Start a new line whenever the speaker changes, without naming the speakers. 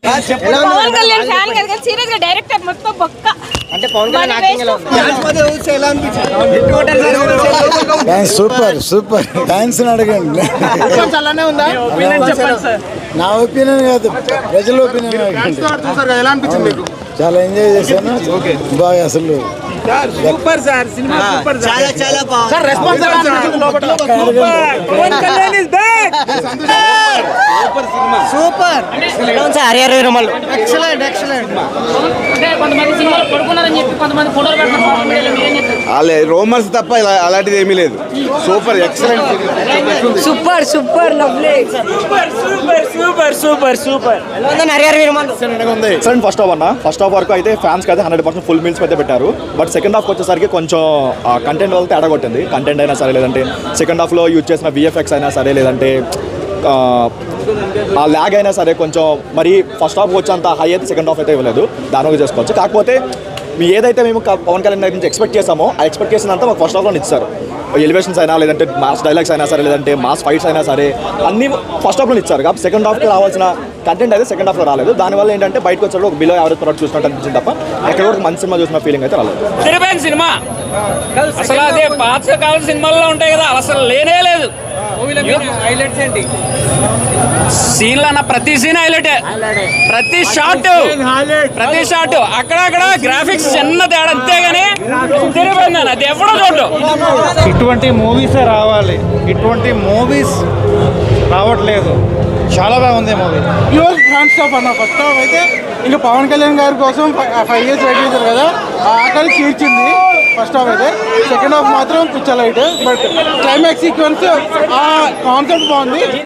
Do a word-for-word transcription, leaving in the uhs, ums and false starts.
Pawan Kalyan fan కదా కానీ serious గా డైరెక్టర్ మొత్తం బొక్క.
అంటే పవన్ కళ్యాణ్ యాక్టింగ్ ఎలా ఉంది?
డాన్స్ సూపర్ సూపర్ డాన్స్ అడగండి. నా ఒపీనియన్ కాదు, ప్రజల ఒపీనియన్ అడగండి. చాలా ఎంజాయ్ చేశాను, బాగా అసలు
సూపర్ సార్, సినిమా సూపర్ చాలా చాలా బాగుంది sir. Response
Pawan Kalyan is back.
Super cinema super. ఎలా ఉంది sir Harihara Veeramallu? Excellent excellent.
అంటే కొంతమంది సినిమాలు పడుకున్నారని చెప్పి కొంతమంది ఫోటోలు పెడుతున్నారు.
రోమన్స్ తప్ప ఇలా అలాంటిది ఏమీ లేదు. Super excellent
super super lovely super super super super super.
ఎలా ఉంది Harihara Veeramallu?
Excellent first half అన్న. ఫస్ట్ హాఫ్ వరకు అయితే ఫ్యాన్స్ అయితే హండ్రెడ్ పర్సెంట్ ఫుల్ మీల్స్ అయితే పెట్టారు. బట్ సెకండ్ హాఫ్ వచ్చేసరికి కొంచెం కంటెంట్ వల్ల తేడా కొట్టింది. కంటెంట్ అయినా సరే, లేదంటే సెకండ్ హాఫ్లో యూజ్ చేసిన విఎఫ్ఎక్స్ అయినా సరే, లేదంటే ఆ ల్యాగ్ అయినా సరే కొంచెం మరి ఫస్ట్ హాఫ్ వచ్చేంత హై అయితే సెకండ్ హాఫ్ అయితే ఇవ్వలేదు. దాని చేసుకోవచ్చు. కాకపోతే మీ ఏదైతే మేము పవన్ కళ్యాణ్ దగ్గర నుంచి ఎక్స్పెక్ట్ చేసామో ఆ ఎక్స్పెక్టేషన్ అంతా మాకు ఫస్ట్ హాఫ్లో ఇచ్చారు. ఎలివేషన్స్ అయినా, లేదంటే మాస్ డైలాగ్స్ అయినా సరే, లేదంటే మాస్ ఫైట్స్ అయినా సరే, అన్నీ ఫస్ట్ హాఫ్లో ఇచ్చారు. కాబట్టి సెకండ్ హాఫ్కి రావాల్సిన కంటెంట్ అయితే సెకండ్ హాఫ్లో రాలేదు. దానివల్ల ఏంటంటే బయటకు వచ్చేటప్పుడు ఒక బిలో యావరేజ్ ప్రోడక్ట్ చూసినట్టు అనిపించింది తప్ప ఎక్కడ కూడా మంచి సినిమా చూసిన ఫీలింగ్ అయితే రాలేదు.
తిరిగిపోయిన సినిమా అసలు అదే పాతకాల సినిమాల్లో ఉంటాయి కదా, అసలు లేనే లేదు.
హైలైట్స్ ఏంటి?
సీన్లు అన్న ప్రతి సీన్ హైలైట్, ప్రతి షాట్ ప్రతి షాట్ అక్కడక్కడ గ్రాఫిక్స్ చిన్న తేడా అంతేగాని తిరిగిపోయింది అన్న, అది ఎవడో చూడు.
ఇటువంటి మూవీసే రావాలి, ఇటువంటి మూవీస్ రావట్లేదు. చాలా బాగుంది మూవీ.
ప్యూర్ ఫ్యాన్ స్టాప్ అన్న. ఫస్ట్ హాఫ్ అయితే ఇంకా పవన్ కళ్యాణ్ గారి కోసం ఫైవ్ ఇయర్స్ వెయిట్ చేశారు కదా, ఆ ఆకలి తీర్చింది ఫస్ట్ హాఫ్ అయితే. సెకండ్ హాఫ్ మాత్రం పిచ్చ లైట్. బట్ క్లైమాక్స్ సీక్వెన్స్ ఆ కాన్సెప్ట్ బాగుంది.